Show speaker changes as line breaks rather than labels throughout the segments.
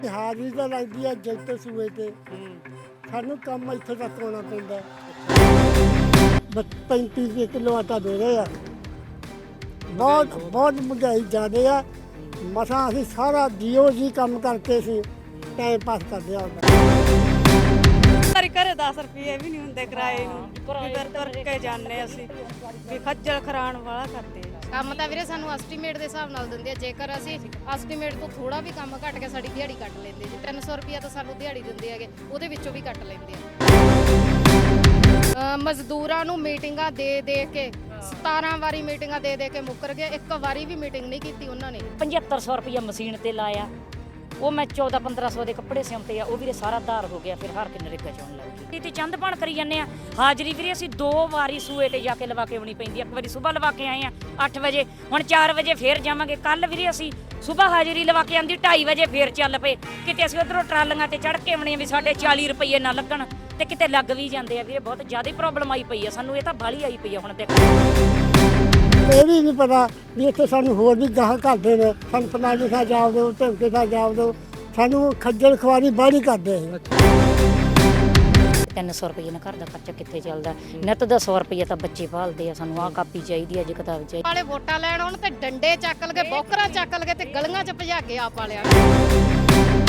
ਹਾਜ਼ਰੀ ਤਾਂ ਲੱਗਦੀ ਹੈ ਜੈਤੇ ਸੂਏ ਤੇ ਸਾਨੂੰ ਕੰਮ ਇੱਥੇ ਤੱਕ ਆਉਣਾ ਪੈਂਦਾ। 35 ਰੁਪਏ ਕਿਲੋ ਆਟਾ ਦੇ ਰਹੇ ਆ। ਬਹੁਤ ਮਹਿੰਗਾਈ ਜ਼ਿਆਦੇ ਆ। ਮਸਾਂ ਅਸੀਂ ਸਾਰਾ ਜੀਓ ਜੀ ਕੰਮ ਕਰਕੇ ਅਸੀਂ ਟਾਈਮ ਪਾਸ ਕਰਦੇ ਆ।
ਘਰੇ 10 ਰੁਪਏ ਵੀ ਨਹੀਂ ਹੁੰਦੇ ਕਿਰਾਏ ਨੂੰ, ਕਿਧਰ ਤੁਰ ਕੇ ਜਾਂਦੇ ਅਸੀਂ ਵੀ ਖੱਜਲ ਖਰਾਣ ਵਾਲਾ ਕਰਦੇ ਆ।
ਕੰਮ ਤਾਂ ਵੀਰੇ ਸਾਨੂੰ ਐਸਟੀਮੇਟ ਦੇ ਹਿਸਾਬ ਨਾਲ ਦਿੰਦੇ ਆ। ਜੇਕਰ ਅਸੀਂ ਐਸਟੀਮੇਟ ਤੋਂ ਥੋੜਾ ਵੀ ਕੰਮ ਘੱਟ ਕੇ ਸਾਡੀ ਦਿਹਾੜੀ ਕੱਟ ਲੈਂਦੇ ਜੀ। 300 ਰੁਪਿਆ ਤਾਂ ਸਾਨੂੰ ਦਿਹਾੜੀ ਦਿੰਦੇ ਹੈਗੇ, ਉਹਦੇ ਵਿੱਚੋਂ ਵੀ ਕੱਟ ਲੈਂਦੇ ਆ। ਮਜ਼ਦੂਰਾਂ ਨੂੰ ਮੀਟਿੰਗਾਂ ਦੇ ਕੇ 17 ਵਾਰੀ ਮੀਟਿੰਗਾਂ ਦੇ ਕੇ ਮੁੱਕਰ ਗਏ। ਇੱਕ ਵਾਰੀ ਵੀ ਮੀਟਿੰਗ ਨਹੀਂ ਕੀਤੀ ਉਹਨਾਂ ਨੇ।
7500 ਰੁਪਇਆ ਮਸ਼ੀਨ ਤੇ ਲਾਇਆ, ਉਹ ਮੈਂ 14-1500 ਦੇ ਕੱਪੜੇ ਸਿਉਂਤੇ ਆ, ਉਹ ਵੀਰੇ ਸਾਰਾ ਧਾਰ ਹੋ ਗਿਆ। ਫਿਰ ਹਰ ਕੇ ਨਰੇਗਾ ਚੋਣ ਲੱਗ ਗਈ ਤੇ ਚੰਦ ਬਣ ਕਰੀ ਜਾਂਦੇ ਆ। ਹਾਜ਼ਰੀ ਵੀਰੇ ਅਸੀਂ 2 ਵਾਰੀ ਸੂਏ ਤੇ ਜਾ ਕੇ ਲਵਾ ਕੇ ਆਉਣੀ ਪੈਂਦੀ। ਇੱਕ ਵਾਰੀ ਸਵੇਰ ਲਵਾ ਕੇ ਆਏ ਆ 8 ਵਜੇ, ਹੁਣ 4 ਵਜੇ ਫੇਰ ਜਾਵਾਂਗੇ। ਕੱਲ ਵੀਰੇ ਅਸੀਂ ਸਵੇਰ ਹਾਜ਼ਰੀ ਲਵਾ ਕੇ ਆਂਦੀ 2:30 ਵਜੇ ਫੇਰ ਚੱਲ ਪਏ। ਕਿਤੇ ਅਸੀਂ ਉਧਰੋਂ ਟਰਾਲੀਆਂ ਤੇ ਚੜ੍ਹ ਕੇ ਆਉਣੇ ਵੀ ਸਾਡੇ 40 ਰੁਪਏ ਨਾ ਲੱਗਣ, ਤੇ ਕਿਤੇ ਲੱਗ ਵੀ ਜਾਂਦੇ ਆ ਵੀਰੇ। ਬਹੁਤ ਜ਼ਿਆਦਾ ਪ੍ਰੋਬਲਮ ਆਈ ਪਈ ਆ ਸਾਨੂੰ, ਇਹ ਤਾਂ ਬਾਹਲੀ ਆਈ ਪਈ ਆ ਹੁਣ ਦੇਖੋ।
ਇਹ ਵੀ ਨਹੀਂ ਪਤਾ ਵੀ ਇੱਥੇ ਸਾਨੂੰ ਹੋਰ ਵੀ ਗਾਹ ਕਰਦੇ ਨੇ। ਸਾਨੂੰ ਫਲਾਣੇ ਥਾਂ ਜਾਓ ਦਿਓ, ਢਿਮਕੇ ਥਾਂ ਜਾਓ ਦਿਓ, ਸਾਨੂੰ ਖੱਜਲ ਖੁਆਰੀ ਬਾਹਲੀ ਕਰਦੇ ਆ।
300 ਰੁਪਏ ਨਾਲ ਘਰ ਦਾ ਖਰਚਾ ਕਿੱਥੇ ਚੱਲਦਾ। ਨਿੱਤ ਦਾ 100 ਰੁਪਏ ਤਾਂ ਬੱਚੇ ਪਾਲਦੇ ਆ। ਸਾਨੂੰ ਆਹ ਕਾਪੀ ਚਾਹੀਦੀ ਆ, ਅੱਜ ਕਿਤਾਬ ਚਾਹੀਦੀ।
ਵਾਲੇ ਵੋਟਾਂ ਲੈਣ ਆਉਣ ਤੇ ਡੰਡੇ ਚੱਕ ਲਗੇ, ਬੋਕਰਾਂ ਚੱਕ ਲਗੇ ਤੇ ਗਲੀਆਂ 'ਚ ਭਜਾ ਕੇ ਆਪ ਵਾਲਿਆਂ ਨੂੰ।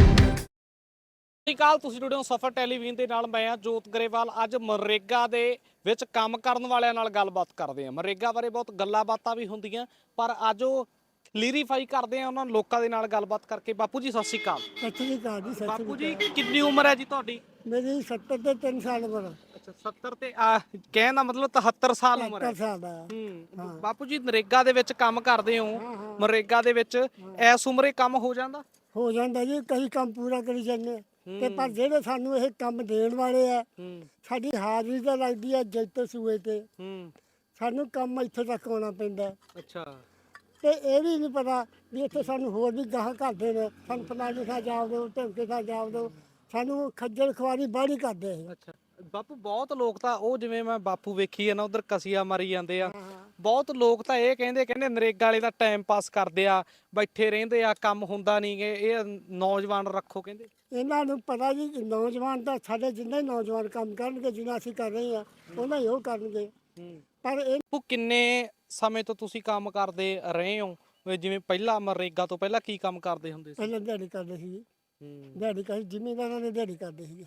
ਸਤਿ ਸ਼੍ਰੀ ਅਕਾਲ, ਤੁਸੀਂ ਜੁੜੇ ਹੋ ਸਫਰ ਟੈਲੀਵਿਜ਼ਨ ਦੇ ਨਾਲ। ਮੈਂ ਜੋਤ ਗਰੇਵਾਲ। ਅੱਜ ਮਨਰੇਗਾ ਦੇ ਵਿੱਚ ਕੰਮ ਕਰਨ ਵਾਲਿਆਂ ਨਾਲ ਗੱਲਬਾਤ ਕਰਦੇ ਹਾਂ। ਮਨਰੇਗਾ ਬਾਰੇ ਬਹੁਤ ਗੱਲਾਂ ਬਾਤਾਂ ਵੀ ਹੁੰਦੀਆਂ, ਪਰ ਅੱਜ ਉਹ ਕਲੀਅਰੀਫਾਈ ਕਰਦੇ ਆ ਉਹਨਾਂ ਲੋਕਾਂ ਦੇ ਨਾਲ ਗੱਲਬਾਤ ਕਰਕੇ। ਬਾਪੂ ਜੀ ਸਤਿ ਸ਼੍ਰੀ ਅਕਾਲ।
ਸਤਿ ਸ਼੍ਰੀ ਅਕਾਲ ਜੀ। ਸਤਿ
ਬਾਪੂ
ਸ਼੍ਰੀ
ਜੀ
ਅਕਾਲ।
ਕਿੰਨੀ ਉਮਰ ਹੈ ਜੀ ਤੁਹਾਡੀ?
ਮੇਰੀ 70 ਤੇ 3 ਸਾਲ ਉਮਰ।
ਅੱਛਾ 70 ਤੇ ਕਹਿਣ ਦਾ ਮਤਲਬ 73 ਸਾਲ ਉਮਰ ਹੈ।
70 ਸਾਲ ਦਾ।
ਬਾਪੂ ਜੀ ਨਰੇਗਾ ਦੇ ਵਿੱਚ ਕੰਮ ਕਰਦੇ ਹੋ। ਮਨਰੇਗਾ ਦੇ ਵਿੱਚ ਇਸ ਉਮਰੇ ਕੰਮ ਹੋ ਜਾਂਦਾ
ਜੀ। ਕਈ ਕੰਮ ਪੂਰਾ ਕਰੀ ਜਾਂਦੇ ਤੇ ਪਰ ਜਿਹੜੇ ਸਾਨੂੰ ਇਹ ਕੰਮ ਦੇਣ ਵਾਲੇ ਆ, ਸਾਡੀ ਹਾਜ਼ਰੀ ਤਾਂ ਲੱਗਦੀ ਹੈ ਜੈਤੇ ਸੂਏ ਤੇ ਸਾਨੂੰ ਕੰਮ ਇੱਥੇ ਤੱਕ ਆਉਣਾ ਪੈਂਦਾ।
ਅੱਛਾ
ਤੇ ਇਹ ਵੀ ਨਹੀਂ ਪਤਾ ਵੀ ਇੱਥੇ ਸਾਨੂੰ ਹੋਰ ਵੀ ਗਾਹ ਕਰਦੇ ਨੇ। ਸਾਨੂੰ ਫਲਾਣੇ ਥਾਂ ਜਾਓ ਦਿਓ, ਢਿਮਕੇ ਥਾਂ ਜਾਓ ਦਿਓ, ਸਾਨੂੰ ਖੱਜਲ ਖੁਆਰੀ ਬਾਹਲੀ ਕਰਦੇ ਆ।
ਅੱਛਾ ਬਾਪੂ, ਬਹੁਤ ਲੋਕ ਤਾਂ ਉਹ ਜਿਵੇਂ ਮੈਂ ਬਾਪੂ ਵੇਖੀ ਹੈ ਨਾ, ਉਧਰ ਕਸੀਆ ਮਾਰੀ ਜਾਂਦੇ ਆ। ਬਹੁਤ ਲੋਕ ਤਾਂ ਇਹ ਕਹਿੰਦੇ ਨਰੇਗਾ ਵਾਲੇ ਦਾ ਟਾਈਮ ਪਾਸ ਕਰਦੇ ਆ, ਬੈਠੇ ਰਹਿੰਦੇ ਆ, ਕੰਮ ਹੁੰਦਾ ਨਹੀਂ ਗੇ। ਇਹ ਨੌਜਵਾਨ ਰੱਖੋ ਕਹਿੰਦੇ।
ਇਹਨਾਂ ਨੂੰ ਪਤਾ ਜੀ ਨੌਜਵਾਨ ਤਾਂ ਸਾਡੇ ਜਿੰਨੇ ਨੌਜਵਾਨ ਕੰਮ ਕਰਨਗੇ, ਜਿੰਨਾ ਅਸੀਂ ਕਰ ਰਹੇ ਹਾਂ ਉਹਨਾਂ ਹੀ ਉਹ ਕਰਨਗੇ। ਪਰ ਇਹ
ਕਿੰਨੇ ਸਮੇਂ ਤੋਂ ਤੁਸੀਂ ਕੰਮ ਕਰਦੇ ਰਹੇ ਹੋ? ਜਿਵੇਂ ਪਹਿਲਾਂ ਮਨਰੇਗਾ ਤੋਂ ਪਹਿਲਾਂ ਕੀ ਕੰਮ ਕਰਦੇ ਹੁੰਦੇ ਸੀ?
ਪਹਿਲਾਂ ਦਿਹਾੜੀ ਕਰਦੇ ਸੀ। ਦਿਹਾੜੀ ਕਰੀ ਜ਼ਿਮੀਂਦਾਰਾਂ ਨੇ ਦਿਹਾੜੀ ਕਰਦੇ ਸੀਗੇ।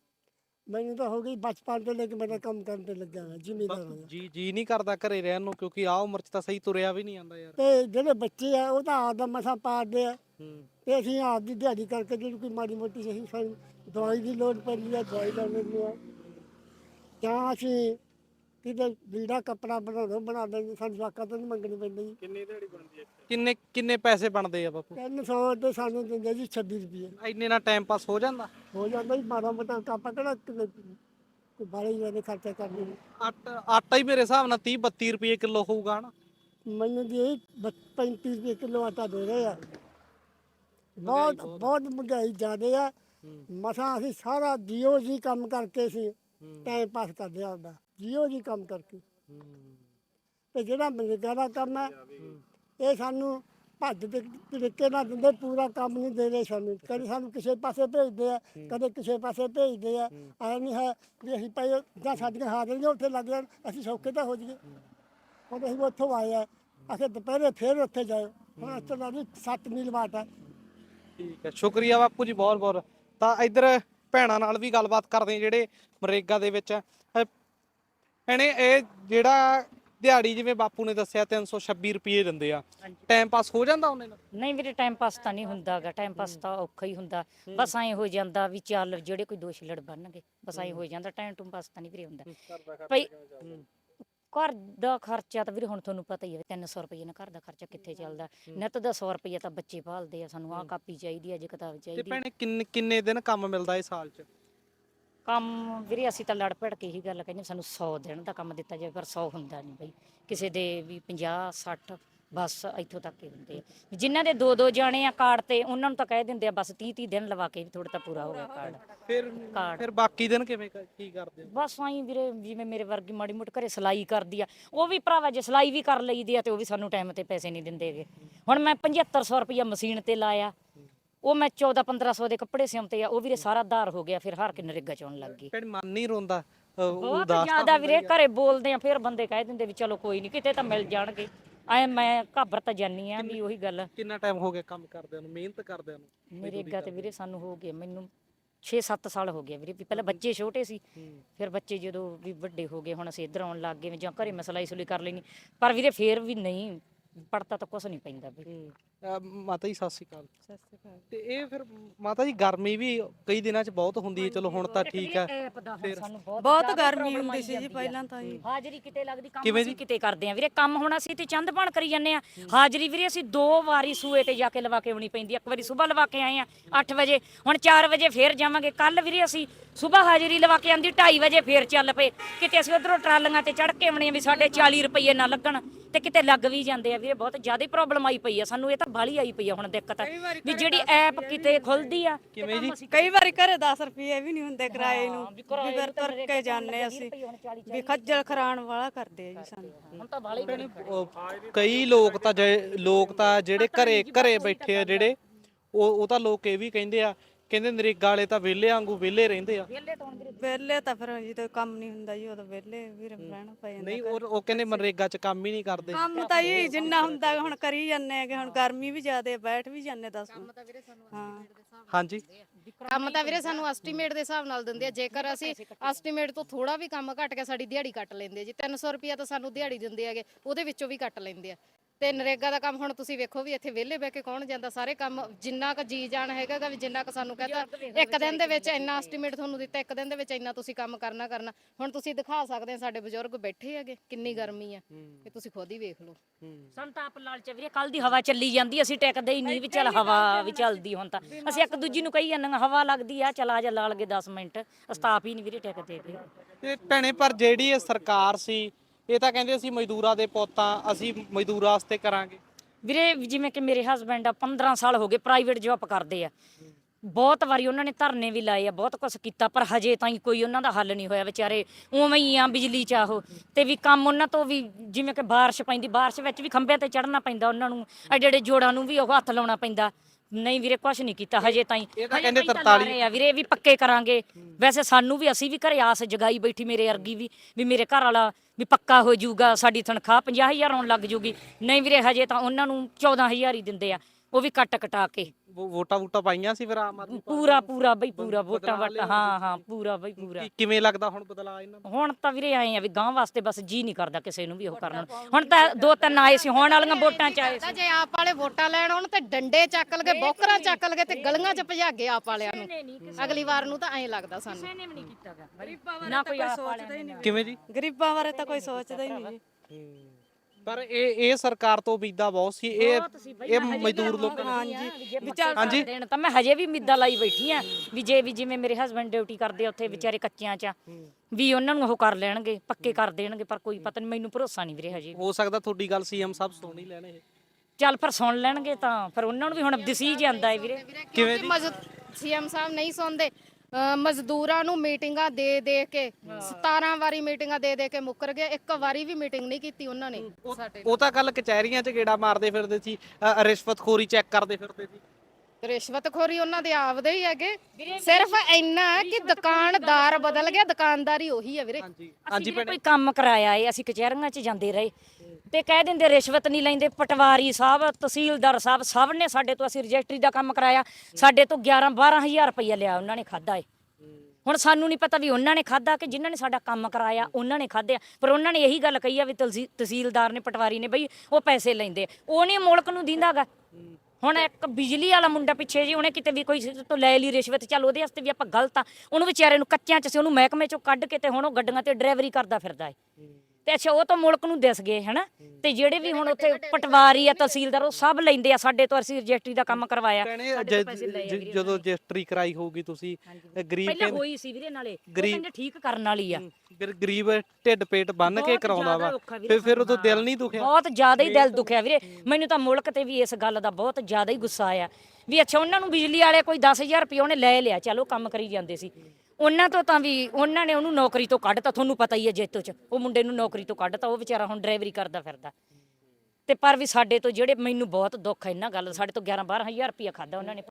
ਮੈਨੂੰ ਤਾਂ ਹੋ ਗਈ ਬਚਪਨ ਤੋਂ ਲੈ ਕੇ ਮੇਰਾ ਕੰਮ ਕਰਨ ਤੇ ਲੱਗਿਆ ਹੋਇਆ ਜ਼ਿਮੀਂਦਾਰਾਂ ਦਾ।
ਜੀ ਨਹੀਂ ਕਰਦਾ ਘਰੇ ਰਹਿਣ ਨੂੰ, ਕਿਉਂਕਿ ਆਹ ਉਮਰ 'ਚ ਤਾਂ ਸਹੀ ਤੁਰਿਆ ਵੀ ਨਹੀਂ ਜਾਂਦਾ ਯਾਰ।
ਤੇ ਜਿਹੜੇ ਬੱਚੇ ਆ ਉਹ ਤਾਂ ਆਪ ਦਾ ਮਸਾਂ ਪਾਲਦੇ ਆ, ਤੇ ਅਸੀਂ ਆਪ ਦੀ ਦਿਹਾੜੀ ਕਰਕੇ ਜਿਹੜੀ ਕੋਈ ਮਾੜੀ ਮੋਟੀ ਸਹੀ ਸਾਨੂੰ ਦਵਾਈ ਦੀ ਲੋੜ ਪੈਂਦੀ ਆ, ਦਵਾਈ ਲੈ ਲੈਂਦੇ ਆ। ਜਾਂ ਅਸੀਂ ਕਿਤੇ ਲੀੜਾ ਕੱਪੜਾ ਬਣਾ ਲੈਂਦੇ, ਸਾਨੂੰ ਜਵਾਕਾਂ ਤੋਂ ਨਹੀਂ ਮੰਗਣੀ ਪੈਂਦੀ।
ਕਿੰਨੀ ਦਿਹਾੜੀ ਬਣਦੀ ਹੈ? ਕਿੰਨੇ ਪੈਸੇ ਬਣਦੇ ਆ ਬਾਪੂ?
300 ਤੇ ਸਾਨੂੰ ਦਿੰਦੇ ਜੀ 26 ਰੁਪਏ।
ਇੰਨੇ ਨਾਲ ਟਾਈਮ ਪਾਸ ਹੋ ਜਾਂਦਾ
ਜੀ। ਮਾੜਾ ਮੋਟਾ ਆਪਾਂ ਕਿਹੜਾ ਕੋਈ ਬਾਹਲੇ ਜ਼ਿਆਦਾ ਖਰਚਾ ਕਰਦੇ।
ਆਟਾ ਹੀ ਮੇਰੇ ਹਿਸਾਬ ਨਾਲ 30-32 ਰੁਪਏ ਕਿਲੋ ਹੋਊਗਾ ਨਾ।
ਮੈਨੂੰ ਜੀ 35 ਰੁਪਏ ਕਿਲੋ ਆਟਾ ਦੇ ਰਹੇ ਆ। ਬਹੁਤ ਮਹਿੰਗਾਈ ਜ਼ਿਆਦੇ ਆ। ਮਸਾਂ ਅਸੀਂ ਸਾਰਾ ਜੀਓ ਜੀ ਕੰਮ ਕਰਕੇ ਅਸੀਂ ਟਾਈਮ ਪਾਸ ਕਰਦੇ ਆ ਆਪਦਾ, ਜੀਓ ਜੀ ਕੰਮ ਕਰਕੇ। ਤੇ ਜਿਹੜਾ ਮਨਰੇਗਾ ਦਾ ਕੰਮ ਹੈ ਇਹ ਸਾਨੂੰ ਭੱਜ ਦੇ ਤਰੀਕੇ ਨਾਲ ਦਿੰਦੇ, ਪੂਰਾ ਕੰਮ ਨਹੀਂ ਦੇ ਰਹੇ ਸਾਨੂੰ। ਕਦੇ ਸਾਨੂੰ ਕਿਸੇ ਪਾਸੇ ਭੇਜਦੇ ਆ, ਕਦੇ ਕਿਸੇ ਪਾਸੇ ਭੇਜਦੇ ਆ। ਐਂ ਨਹੀਂ ਹੈ ਵੀ ਅਸੀਂ ਭਾਈ ਜਾਂ ਸਾਡੀਆਂ ਹਾਜ਼ਰੀਆਂ ਉੱਥੇ ਲੱਗ ਜਾਣ ਅਸੀਂ ਸੌਖੇ ਤਾਂ ਹੋ ਜਾਈਏ। ਹੁਣ ਅਸੀਂ ਉੱਥੋਂ ਆਏ ਆ, ਅਸੀਂ ਦੁਪਹਿਰੇ ਫੇਰ ਉੱਥੇ ਜਾਓ। ਹੁਣ ਇਸ ਤੋਂ ਬਾਅਦ 7 ਮੀਲ ਵਾਟ ਹੈ।
ਠੀਕ ਹੈ, ਸ਼ੁਕਰੀਆ ਬਾਪੂ ਜੀ ਬਹੁਤ ਬਹੁਤ। ਤਾਂ ਇੱਧਰ ਭੈਣਾਂ ਨਾਲ ਵੀ ਗੱਲਬਾਤ ਕਰਦੇ ਜਿਹੜੇ ਮਨਰੇਗਾ ਦੇ ਵਿੱਚ ਇਹਨੇ ਇਹ ਜਿਹੜਾ ਦਿਹਾੜੀ ਜਿਵੇਂ ਬਾਪੂ ਨੇ ਦੱਸਿਆ 326 ਰੁਪਏ ਦਿੰਦੇ ਆ, ਟਾਈਮ ਪਾਸ ਹੋ ਜਾਂਦਾ ਉਹਨੇ ਨਾਲ?
ਨਹੀਂ ਵੀਰੇ ਟਾਈਮ ਪਾਸ ਤਾਂ ਨਹੀਂ ਹੁੰਦਾਗਾ। ਟਾਈਮ ਪਾਸ ਤਾਂ ਔਖਾ ਹੀ ਹੁੰਦਾ। ਬਸ ਐਂ ਹੋ ਜਾਂਦਾ ਵੀ ਚੱਲ ਜਿਹੜੇ ਕੋਈ ਦੋਸ਼ ਲੜ ਬਣਨਗੇ, ਬਸ ਐਂ ਹੋ ਜਾਂਦਾ। ਟਾਈਮ ਪਾਸ ਤਾਂ ਨਹੀਂ ਵੀਰੇ ਹੁੰਦਾ। ਭਈ ਘਰ ਦਾ ਖਰਚਾ ਤਾਂ ਵੀਰੇ ਹੁਣ ਤੁਹਾਨੂੰ ਪਤਾ ਹੀ ਹੈ, 300 ਰੁਪਏ ਨਾਲ ਘਰ ਦਾ ਖਰਚਾ ਕਿੱਥੇ ਚੱਲਦਾ। ਨਿੱਤ ਦਾ 100 ਰੁਪਏ ਤਾਂ ਬੱਚੇ ਪਾਲਦੇ ਆ। ਸਾਨੂੰ ਆਹ ਕਾਪੀ ਚਾਹੀਦੀ, ਅੱਜ ਕਿਤਾਬ ਚਾਹੀਦੀ।
ਤੇ ਭੈਣੇ ਕਿੰਨੇ ਦਿਨ ਕੰਮ ਮਿਲਦਾ ਇਹ ਸਾਲ 'ਚ?
ਕੰਮ ਵੀਰੇ ਅਸੀਂ ਤਾਂ ਲੜ ਭੜ ਕੇ ਹੀ ਗੱਲ ਕਹਿੰਦੇ, ਸਾਨੂੰ 100 ਦਿਨ ਦਾ ਕੰਮ ਦਿੱਤਾ ਜਾਵੇ, ਪਰ 100 ਹੁੰਦਾ ਨਹੀਂ ਬਈ। ਕਿਸੇ ਦੇ ਵੀ 50-60 ਬਸ ਇੱਥੋਂ ਤੱਕ ਹੀ ਹੁੰਦੇ ਆ। ਜਿਨ੍ਹਾਂ ਦੇ 2-2 ਜਾਣੇ ਆ ਕਾਰਡ ਤੇ, ਉਹਨਾਂ ਨੂੰ ਤਾਂ ਕਹਿ ਦਿੰਦੇ ਆ ਬਸ 30-30 ਦਿਨ ਲਵਾ ਕੇ ਵੀ ਥੋੜਾ ਤਾਂ ਪੂਰਾ ਹੋ ਗਿਆ ਕਾਰਡ।
ਫਿਰ ਬਾਕੀ ਦਿਨ ਕੀ ਕਰਦੇ ਹੋ?
ਬਸ ਆਈ ਵੀਰੇ, ਜਿਵੇਂ ਮੇਰੇ ਵਰਗੀ ਮਾੜੀ ਮੋਟੀ ਘਰੇ ਸਿਲਾਈ ਕਰਦੀ ਆ, ਉਹ ਵੀ ਭਰਾਵਾ ਜੇ ਸਿਲਾਈ ਵੀ ਕਰ ਲਈਦੀ ਆ ਤੇ ਉਹ ਵੀ ਸਾਨੂੰ ਟਾਈਮ ਤੇ ਪੈਸੇ ਨਹੀਂ ਦਿੰਦੇ ਹੈਗੇ। ਹੁਣ ਮੈਂ 7500 ਰੁਪਇਆ ਮਸ਼ੀਨ ਤੇ ਲਾਇਆ, ਉਹ ਮੈਂ 14-1500 ਦੇ ਕੱਪੜੇ ਸਿਉਂਤੇ ਆ ਉਹ ਵੀਰੇ ਸਾਰਾ ਧਾਰ ਹੋ ਗਿਆ ਫਿਰ ਹਾਰ ਕੇ ਨਰੇਗਾ ਚ ਆਉਣ ਲੱਗ ਗਈ।
ਭੈਣ ਮਨ ਨਹੀਂ ਰੋਂਦਾ
ਬਹੁਤ
ਉਦਾਸ ਤਾਂ
ਜ਼ਿਆਦਾ ਵੀਰੇ ਘਰੇ ਬੋਲਦੇ ਆ ਫਿਰ ਬੰਦੇ ਕਹਿ ਦਿੰਦੇ ਵੀ ਚਲੋ ਕੋਈ ਨਹੀਂ ਕਿਤੇ ਤਾਂ ਮਿਲ ਜਾਣਗੇ ਐ ਮੈਂ ਘਾਬਰ ਤਾਂ ਜਾਨੀ ਆ ਵੀ ਉਹੀ ਗੱਲ।
ਕਿੰਨਾ ਟਾਈਮ ਹੋ ਗਿਆ ਕੰਮ ਕਰਦਿਆਂ ਨੂੰ ਮਿਹਨਤ ਕਰਦਿਆਂ ਨੂੰ?
ਨਰੇਗਾ ਤੇ ਵੀਰੇ ਸਾਨੂੰ ਹੋ ਗਏ ਮੈਨੂੰ 6-7 ਸਾਲ ਹੋ ਗਏ ਵੀਰੇ ਵੀ ਪਹਿਲਾਂ ਬੱਚੇ ਛੋਟੇ ਸੀ ਫਿਰ ਬੱਚੇ ਜਦੋਂ ਵੀ ਵੱਡੇ ਹੋ ਗਏ ਹੁਣ ਅਸੀਂ ਇੱਧਰ ਆਉਣ ਲੱਗ ਗਏ ਜਾਂ ਘਰੇ ਮਸਲਾ ਇਸਲੀ ਕਰ ਲੈਣੀ ਪਰ ਵੀਰੇ ਫੇਰ ਵੀ ਨਹੀਂ ਪੜਤਾ ਤਾਂ ਕੁਛ ਨਹੀਂ ਪੈਂਦਾ ਵੀ।
ਮਾਤਾ ਜੀ ਸਤਿ ਸ਼੍ਰੀ ਅਕਾਲ। ਤੇ ਇਹ ਫਿਰ ਮਾਤਾ ਜੀ ਗਰਮੀ ਵੀ ਕਈ ਦਿਨਾਂ 'ਚ ਬਹੁਤ ਹੁੰਦੀ ਹੈ, ਚਲੋ ਹੁਣ ਤਾਂ ਠੀਕ ਹੈ।
ਬਹੁਤ ਗਰਮੀ ਹੁੰਦੀ ਸੀ ਜੀ ਪਹਿਲਾਂ ਤਾਂ ਜੀ।
ਹਾਜ਼ਰੀ ਕਿਤੇ ਲੱਗਦੀ ਕੰਮ ਅਸੀਂ ਕਿਤੇ ਕਰਦੇ ਆ ਵੀਰੇ ਕੰਮ ਹੋਣਾ ਸੀ ਤੇ ਚੰਦ ਬਣ ਕਰੀ ਜਾਂਦੇ ਆ। ਹਾਜ਼ਰੀ ਵੀਰੇ ਅਸੀਂ 2 ਵਾਰੀ ਸੂਏ ਤੇ ਜਾ ਕੇ ਲਵਾ ਕੇ ਆਉਣੀ ਪੈਂਦੀ। ਇੱਕ ਵਾਰੀ ਸਵੇਰ ਲਵਾ ਕੇ ਆਏ ਆ 8 ਵਜੇ, ਹੁਣ 4 ਵਜੇ ਫੇਰ ਜਾਵਾਂਗੇ। ਕੱਲ ਵੀਰੇ ਅਸੀਂ ਸਵੇਰ ਹਾਜ਼ਰੀ ਲਵਾ ਕੇ ਆਂਦੀ 2:30 ਵਜੇ ਫੇਰ ਚੱਲ ਪਏ। ਕਿਤੇ ਅਸੀਂ ਉਧਰੋਂ ਟਰਾਲੀਆਂ ਤੇ ਚੜ ਕੇ ਆਉਣੇ ਵੀ ਸਾਡੇ 40 ਰੁਪਏ ਨਾ ਲੱਗਣ ਤੇ ਕਿਤੇ ਲੱਗ ਵੀ ਜਾਂਦੇ ਆ ਵੀਰੇ। ਬਹੁਤ ਜ਼ਿਆਦਾ ਪ੍ਰੋਬਲਮ ਆਈ ਪਈ ਆ ਸਾਨੂੰ, ਇਹ ਤਾਂ ਬਾਲੀ ਆਈ ਪਈ ਆ ਹੁਣ ਦਿੱਕਤ ਵੀ ਜਿਹੜੀ ਐਪ ਕਿਤੇ ਖੁੱਲਦੀ ਆ।
ਕਿਵੇਂ ਜੀ?
ਕਈ ਵਾਰੀ ਘਰੇ 10 ਰੁਪਏ ਵੀ ਨਹੀਂ ਹੁੰਦੇ ਕਿਰਾਏ ਨੂੰ, ਵੀ ਫਿਰ ਤੁਰ ਕੇ ਜਾਂਦੇ ਅਸੀਂ ਵੀ ਖੱਜਲ ਖਰਾਣ ਵਾਲਾ ਕਰਦੇ ਆ ਜੀ ਸਾਨੂੰ।
ਹੁਣ ਤਾਂ ਬਾਲੀ
ਕਈ ਲੋਕ ਤਾਂ ਜਿਹੜੇ ਘਰੇ ਬੈਠੇ ਆ ਜਿਹੜੇ ਉਹ ਤਾਂ ਲੋਕ ਇਹ ਵੀ ਕਹਿੰਦੇ ਨਰੇਗਾ ਵਾਲੇ ਤਾਂ ਵਿਹਲੇ ਵਾਂਗੂ ਵਿਹਲੇ ਰਹਿੰਦੇ ਆ।
ਵਿਹਲੇ ਤਾਂ ਫਿਰ ਜਦੋਂ ਕੰਮ ਨਹੀਂ ਹੁੰਦਾ ਜੀ ਉਦੋਂ ਵਿਹਲੇ ਵੀ ਰਹਿਣਾ ਪੈ ਜਾਂਦਾ।
ਨਹੀਂ ਉਹ ਕਹਿੰਦੇ ਮਨਰੇਗਾ 'ਚ ਕੰਮ ਹੀ ਨਹੀਂ ਕਰਦੇ।
ਕੰਮ ਤਾਂ ਜੀ ਜਿੰਨਾ ਹੁੰਦਾ ਹੁਣ ਕਰੀ ਜਾਂਦੇ ਹੈਗੇ। ਹੁਣ ਗਰਮੀ ਵੀ ਜ਼ਿਆਦੇ ਬੈਠ ਵੀ ਜਾਂਦੇ 10 ਹਾਂ
ਹਾਂਜੀ
ਕੰਮ ਤਾਂ ਵੀਰੇ ਸਾਨੂੰ ਐਸਟੀਮੇਟ ਦੇ ਹਿਸਾਬ ਨਾਲ ਦਿੰਦੇ ਆ। ਜੇਕਰ ਅਸੀਂ ਐਸਟੀਮੇਟ ਤੋਂ ਥੋੜਾ ਵੀ ਕੰਮ ਘੱਟ ਕੇ ਸਾਡੀ ਦਿਹਾੜੀ ਕੱਟ ਲੈਂਦੇ ਆ ਜੀ। 300 ਰੁਪਿਆ ਤਾਂ ਸਾਨੂੰ ਦਿਹਾੜੀ ਦਿੰਦੇ ਹੈਗੇ, ਉਹਦੇ ਵਿੱਚੋਂ ਵੀ ਕੱਟ ਲੈਂਦੇ ਆ। ਤੇ ਨਰੇਗਾ ਦਾ ਕੰਮ ਹੁਣ ਤੁਸੀਂ ਵੇਖੋ ਵੀ ਇੱਥੇ ਵਿਹਲੇ ਬਹਿ ਕੇ ਕੌਣ ਜਾਂਦਾ। ਸਾਰੇ ਕੰਮ ਜਿੰਨਾ ਕੁ ਜੀ ਜਾਣ ਹੈਗਾ ਵੀ ਜਿੰਨਾ ਕੁ ਸਾਨੂੰ ਕਹਿੰਦਾ ਇੱਕ ਦਿਨ ਦੇ ਵਿੱਚ ਇੰਨਾ ਐਸਟੀਮੇਟ ਤੁਹਾਨੂੰ ਦਿੱਤਾ, ਇੱਕ ਦਿਨ ਦੇ ਵਿੱਚ ਇੰਨਾ ਤੁਸੀਂ ਕੰਮ ਕਰਨਾ। ਹੁਣ ਤੁਸੀਂ ਦਿਖਾ ਸਕਦੇ ਆ ਸਾਡੇ ਬਜ਼ੁਰਗ ਬੈਠੇ ਹੈਗੇ, ਕਿੰਨੀ ਗਰਮੀ ਆ ਇਹ ਤੁਸੀਂ ਖੁਦ ਹੀ ਵੇਖ ਲਓ।
ਸੰਤਾਪ ਲਾਲਚ ਵੀਰੇ ਕੱਲ ਦੀ ਹਵਾ ਚੱਲੀ ਜਾਂਦੀ ਅਸੀਂ ਟਿਕਦੇ ਹੀ ਨਹੀਂ ਵੀ ਚੱਲ ਹਵਾ ਵੀ ਚੱਲਦੀ। ਹੁਣ ਤਾਂ ਅਸੀਂ ਇੱਕ ਦੂਜੀ ਨੂੰ ਕਹੀ ਜਾਂਦੇ ਹਵਾ ਲੱਗਦੀ ਆ ਚੱਲ ਆ ਜਾ ਲਾ ਲਗੇ 10 ਮਿੰਟ ਅਸਤਾਪ ਹੀ ਨਹੀਂ ਵੀਰੇ ਟਿਕਦੇ।
ਤੇ ਭੈਣੇ ਪਰ ਜਿਹੜੀ ਇਹ ਸਰਕਾਰ ਸੀ ਇਹ ਤਾਂ ਕਹਿੰਦੇ ਅਸੀਂ ਮਜ਼ਦੂਰਾਂ ਦੇ ਪੁੱਤਾਂ, ਅਸੀਂ ਮਜ਼ਦੂਰਾਂ ਵਾਸਤੇ ਕਰਾਂਗੇ।
ਵੀਰੇ ਜਿਵੇਂ ਕਿ ਮੇਰੇ ਹਸਬੈਂਡ ਆ 15 ਸਾਲ ਹੋ ਗਏ ਪ੍ਰਾਈਵੇਟ ਜੌਬ ਕਰਦੇ ਆ। ਬਹੁਤ ਵਾਰੀ ਉਹਨਾਂ ਨੇ ਧਰਨੇ ਵੀ ਲਾਏ ਆ, ਬਹੁਤ ਕੁਝ ਕੀਤਾ ਪਰ ਹਜੇ ਤਾਈਂ ਕੋਈ ਉਹਨਾਂ ਦਾ ਹੱਲ ਨਹੀਂ ਹੋਇਆ। ਵਿਚਾਰੇ ਉਵੇਂ ਹੀ ਆ ਬਿਜਲੀ ਚ ਆਹੋ ਤੇ ਵੀ ਕੰਮ ਉਹਨਾਂ ਤੋਂ ਵੀ ਜਿਵੇਂ ਕਿ ਬਾਰਿਸ਼ ਪੈਂਦੀ ਬਾਰਿਸ਼ ਵਿੱਚ ਵੀ ਖੰਭਿਆਂ ਤੇ ਚੜ੍ਹਨਾ ਪੈਂਦਾ ਉਹਨਾਂ ਨੂੰ। ਜਿਹੜੇ ਜੋੜਾਂ ਨੂੰ ਵੀ ਉਹ ਹੱਥ ਲਾਉਣਾ ਪੈਂਦਾ। ਨਹੀਂ ਵੀਰੇ ਕੁਛ ਨਹੀਂ ਕੀਤਾ ਹਜੇ ਤਾਈਂ।
ਇਹ ਤਾਂ ਕਹਿੰਦੇ 43
ਆ ਵੀਰੇ ਵੀ ਪੱਕੇ ਕਰਾਂਗੇ। ਵੈਸੇ ਸਾਨੂੰ ਵੀ ਅਸੀਂ ਵੀ ਘਰੇ ਆਸ ਜਗਾਈ ਬੈਠੀ ਮੇਰੇ ਅਰਗੀ ਵੀ ਮੇਰੇ ਘਰ ਵਾਲਾ ਵੀ ਪੱਕਾ ਹੋ ਜਾਊਗਾ, ਸਾਡੀ ਤਨਖਾਹ 50,000 ਆਉਣ ਲੱਗ ਜੂਗੀ। ਨਹੀਂ ਵੀਰੇ ਹਜੇ ਤਾਂ ਉਹਨਾਂ ਨੂੰ 14,000 ਹੀ ਦਿੰਦੇ ਆ, ਉਹ ਵੀ ਕੱਟ ਕਟਾ ਕੇ।
ਵੋਟਾਂ ਪਾਈਆਂ ਸੀ ਫਿਰ ਆਮ ਆਦਮੀ
ਪੂਰਾ ਬਈ ਪੂਰਾ ਵੋਟਾਂ ਹਾਂ ਪੂਰਾ ਬਈ ਪੂਰਾ।
ਕਿਵੇਂ ਲੱਗਦਾ ਹੁਣ ਬਦਲਾ ਇਹਨਾਂ ਦਾ?
ਹੁਣ ਤਾਂ ਵੀਰੇ ਆਏ ਆ ਵੀ ਗਾਂ ਵਾਸਤੇ ਬਸ ਜੀ ਨਹੀਂ ਕਰਦਾ ਕਿਸੇ ਨੂੰ ਵੀ ਉਹ ਕਰਨ। ਹੁਣ ਤਾਂ 2-3 ਆਏ ਸੀ ਹੋਣ ਵਾਲੀਆਂ ਵੋਟਾਂ ਚ ਆਏ ਸੀ।
ਜੇ ਆਪ ਵਾਲੇ ਵੋਟਾਂ ਲੈਣ ਆਉਣ ਤੇ ਡੰਡੇ ਚੱਕ ਲਗੇ, ਬੋਕਰਾਂ ਚੱਕ ਲਗੇ ਤੇ ਗਲੀਆਂ 'ਚ ਭਜਾਗੇ ਆਪ ਵਾਲਿਆਂ ਨੂੰ। ਅਗਲੀ ਵਾਰ ਨੂੰ ਤਾਂ ਐਂ ਲੱਗਦਾ ਸਾਨੂੰ।
ਕਿਸੇ ਨੇ ਵੀ ਨਹੀਂ ਕੀਤਾਗਾ ਨਾ ਕੋਈ ਆਪ ਵਾਲਿਆਂ ਨੇ।
ਕਿਵੇਂ ਜੀ?
ਗਰੀਬਾਂ ਬਾਰੇ ਤਾਂ ਕੋਈ ਸੋਚਦਾ ਹੀ ਨਹੀਂ ਜੀ।
ਪਰ ਇਹ ਸਰਕਾਰ ਤੋਂ ਉਮੀਦਾਂ ਬਹੁਤ ਸੀ। ਇਹ ਮਜ਼ਦੂਰ ਲੋਕਾਂ
ਹਾਂਜੀ ਦੇਣ ਤਾਂ ਮੈਂ ਹਜੇ ਵੀ ਉਮੀਦਾਂ ਲਾਈ ਬੈਠੀ ਆ ਵੀ ਜੇ ਵੀ ਜਿਵੇਂ ਮੇਰੇ ਹਸਬੰਡ ਡਿਊਟੀ ਕਰਦੇ ਆ ਉੱਥੇ ਵਿਚਾਰੇ ਕੱਚਿਆਂ ਚ ਵੀ ਉਹਨਾਂ ਨੂੰ ਉਹ ਕਰ ਲੈਣਗੇ, ਪੱਕੇ ਕਰ ਦੇਣਗੇ। ਪਰ ਕੋਈ ਪਤਾ ਨਹੀਂ, ਮੈਨੂੰ ਭਰੋਸਾ ਨਹੀਂ ਵੀਰੇ ਹਜੇ।
ਹੋ ਸਕਦਾ ਤੁਹਾਡੀ ਗੱਲ ਸੀਐਮ ਸਾਹਿਬ ਸੁਣ ਹੀ ਲੈਣ ਇਹ।
ਚੱਲ ਫਿਰ ਸੁਣ ਲੈਣਗੇ ਤਾਂ ਫਿਰ ਉਹਨਾਂ ਨੂੰ ਵੀ ਹੁਣ ਦਿਸੀ ਜਾਂਦਾ ਹੈ ਵੀਰੇ।
ਕਿਵੇਂ ਸੀਐਮ ਸਾਹਿਬ ਨਹੀਂ ਸੁਣਦੇ। ਮਜ਼ਦੂਰਾਂ ਨੂੰ ਮੀਟਿੰਗਾਂ ਦੇ ਕੇ 17 ਵਾਰੀ ਮੀਟਿੰਗਾਂ ਦੇ ਕੇ ਮੁੱਕਰ ਗਏ। ਇੱਕ ਵਾਰੀ ਵੀ ਮੀਟਿੰਗ ਨਹੀਂ ਕੀਤੀ ਉਹਨਾਂ ਨੇ ਸਾਡੇ।
ਉਹ ਤਾਂ ਕੱਲ ਕਚਹਿਰੀਆਂ 'ਚ ਗੇੜਾ ਮਾਰਦੇ ਫਿਰਦੇ ਸੀ, ਰਿਸ਼ਵਤਖੋਰੀ ਚੈੱਕ ਕਰਦੇ ਫਿਰਦੇ ਸੀ।
ਰਿਸ਼ਵਤਖੋਰੀ ਉਹਨਾਂ ਦੇ ਆਪਦੇ ਹੀ ਹੈਗੇ। ਸਿਰਫ ਇੰਨਾ ਕਿ ਦੁਕਾਨਦਾਰ ਬਦਲ ਗਿਆ, ਦੁਕਾਨਦਾਰੀ ਉਹੀ ਹੈ ਵੀਰੇ।
ਅਸੀਂ ਕੋਈ ਕੰਮ ਕਰਾਇਆ ਏ ਅਸੀਂ ਕਚਹਿਰੀਆਂ 'ਚ ਜਾਂਦੇ ਰਹੇ ਤੇ ਕਹਿ ਦਿੰਦੇ ਰਿਸ਼ਵਤ ਨਹੀਂ ਲੈਂਦੇ। ਪਟਵਾਰੀ ਸਾਹਿਬ, ਤਹਿਸੀਲਦਾਰ ਸਾਹਿਬ ਸਭ ਨੇ ਸਾਡੇ ਤੋਂ, ਅਸੀਂ ਰਜਿਸਟਰੀ ਦਾ ਕੰਮ ਕਰਾਇਆ, ਸਾਡੇ ਤੋਂ 11-12,000 ਰੁਪਈਆ ਲਿਆ ਉਹਨਾਂ ਨੇ, ਖਾਦਾ ਏ। ਹੁਣ ਸਾਨੂੰ ਨਹੀਂ ਪਤਾ ਵੀ ਉਹਨਾਂ ਨੇ ਖਾਦਾ ਕਿ ਜਿਨ੍ਹਾਂ ਨੇ ਸਾਡਾ ਕੰਮ ਕਰਾਇਆ ਉਹਨਾਂ ਨੇ ਖਾਧਿਆ। ਪਰ ਉਹਨਾਂ ਨੇ ਇਹੀ ਗੱਲ ਕਹੀ ਆ ਵੀ ਤਹਿਸੀਲਦਾਰ ਨੇ, ਪਟਵਾਰੀ ਨੇ ਬਈ ਉਹ ਪੈਸੇ ਲੈਂਦੇ। ਉਹ ਨਹੀਂ ਮੁਲਕ ਨੂੰ ਦਿੰਦਾਗਾ। ਹੁਣ ਇੱਕ ਬਿਜਲੀ ਵਾਲਾ ਮੁੰਡਾ ਪਿੱਛੇ ਜੀ ਉਹਨੇ ਕਿਤੇ ਵੀ ਕੋਈ ਤੋਂ ਲੈ ਲਈ ਰਿਸ਼ਵਤ, ਚੱਲ ਉਹਦੇ ਵਾਸਤੇ ਵੀ ਆਪਾਂ ਗਲਤ ਆ। ਉਹਨੂੰ ਵਿਚਾਰੇ ਨੂੰ ਕੱਚਿਆਂ 'ਚ ਸੀ, ਉਹਨੂੰ ਮਹਿਕਮੇ 'ਚੋਂ ਕੱਢ ਕੇ ਤੇ ਹੁਣ ਉਹ ਗੱਡੀਆਂ ਤੇ ਡਰਾਈਵਰੀ ਕਰਦਾ ਫਿਰਦਾ ਏ। ਤੇ ਅੱਛਾ ਉਹ ਤਾਂ ਮੁਲਕ ਨੂੰ ਦਿਸ ਗਏ ਹਨਾ। ਤੇ ਜਿਹੜੇ ਵੀ ਹੁਣ ਉੱਥੇ ਪਟਵਾਰੀ ਆ, ਤਹਿਸੀਲਦਾਰ, ਉਹ ਸਭ ਲੈਂਦੇ ਆ ਸਾਡੇ ਤੋਂ। ਅਸੀਂ ਰਜਿਸਟਰੀ ਦਾ ਕੰਮ ਕਰਵਾਇਆ,
ਜਦੋਂ ਰਜਿਸਟਰੀ ਕਰਾਈ ਹੋਊਗੀ ਤੁਸੀਂ ਗਰੀਬ
ਪਹਿਲਾਂ ਹੋਈ ਸੀ ਵੀਰੇ, ਨਾਲੇ ਕਹਿੰਦੇ ਠੀਕ ਕਰਨ ਵਾਲੀ ਆ।
ਫਿਰ ਗਰੀਬ ਢਿੱਡ ਪੇਟ ਬੰਨ ਕੇ ਕਰਾਉਂਦਾ ਵਾ, ਫਿਰ ਉਦੋਂ ਦਿਲ ਨਹੀਂ ਦੁਖਿਆ?
ਬਹੁਤ ਜ਼ਿਆਦਾ ਹੀ ਦਿਲ ਦੁਖਿਆ ਵੀਰੇ ਮੈਨੂੰ ਤਾਂ। ਮੁਲਕ ਤੇ ਵੀ ਇਸ ਗੱਲ ਦਾ ਬਹੁਤ ਜ਼ਿਆਦਾ ਹੀ ਗੁੱਸਾ ਆਇਆ ਵੀ ਅੱਛਾ ਉਹਨਾਂ ਨੂੰ ਬਿਜਲੀ ਵਾਲੇ ਕੋਈ 10,000 ਰੁਪਏ ਉਹਨੇ ਲੈ ਲਿਆ, ਚਲੋ ਕੰਮ ਕਰੀ ਜਾਂਦੇ ਸੀ। ਉਹਨਾਂ ਤੋਂ ਤਾਂ ਵੀ ਉਹਨਾਂ ਨੇ ਉਹਨੂੰ ਨੌਕਰੀ ਤੋਂ ਕੱਢਤਾ। ਤੁਹਾਨੂੰ ਪਤਾ ਹੀ ਹੈ ਜੇਤੂ 'ਚ ਉਹ ਮੁੰਡੇ ਨੂੰ ਨੌਕਰੀ ਤੋਂ ਕੱਢਤਾ, ਉਹ ਵਿਚਾਰਾ ਹੁਣ ਡਰਾਈਵਰੀ ਕਰਦਾ ਫਿਰਦਾ। ਤੇ ਪਰ ਵੀ ਸਾਡੇ ਤੋਂ ਜਿਹੜੇ, ਮੈਨੂੰ ਬਹੁਤ ਦੁੱਖ ਹੈ ਇਹਨਾਂ ਗੱਲ, ਸਾਡੇ ਤੋਂ 11-12,000 ਰੁਪਇਆ ਖਾਦਾ ਉਹਨਾਂ ਨੇ।